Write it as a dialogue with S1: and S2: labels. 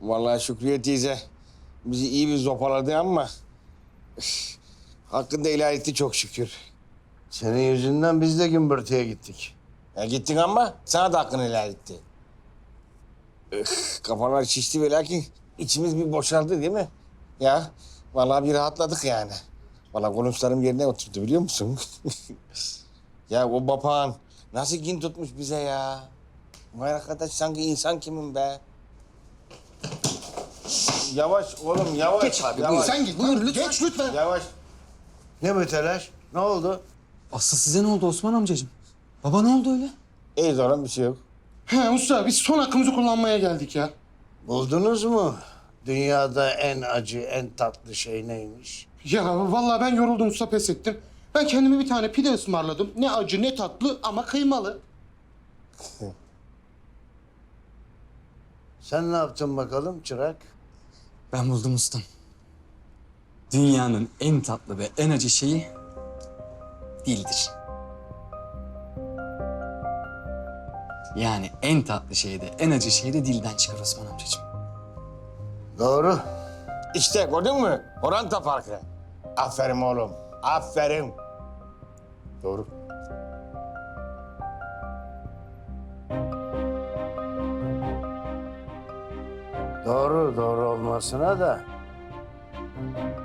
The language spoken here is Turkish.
S1: Vallahi Şükriye teyze bizi iyi bir zopaladı ama hakkında helal etti çok şükür.
S2: Senin yüzünden biz de gümbürtüye gittik.
S1: Ya gittin ama sana da hakkını helal etti. Kafalar şişti ve lakin içimiz bir boşaldı değil mi? Ya vallahi bir rahatladık yani. Vallahi konuşlarım yerine oturdu biliyor musun? Ya o papağan nasıl kin tutmuş bize ya? Vay arkadaş sanki insan kimin be? Yavaş oğlum yavaş.
S3: Geç abi,
S1: yavaş.
S3: buyur.
S4: Sen git.
S3: Buyur, lütfen.
S4: Geç lütfen.
S1: Yavaş.
S2: Ne bu telaş? Ne oldu?
S3: Aslı size ne oldu Osman amcacığım? Baba ne oldu öyle?
S1: İyi oğlum bir şey yok.
S4: He usta biz son hakkımızı kullanmaya geldik ya.
S2: Buldunuz mu? Dünyada en acı, en tatlı şey neymiş?
S4: Ya vallahi ben yoruldum usta pes ettim. Ben kendime bir tane pide ısmarladım. Ne acı ne tatlı ama kıymalı.
S2: Sen ne yaptın bakalım çırak?
S3: Ben buldum ustam. Dünyanın en tatlı ve en acı şeyi dildir. Yani en tatlı şey de en acı şey de dilden çıkar Osman amcacığım.
S2: Doğru.
S1: İşte gördün mü? Oranta farkı. Aferin oğlum. Aferin. Doğru.
S2: Doğru olmasına da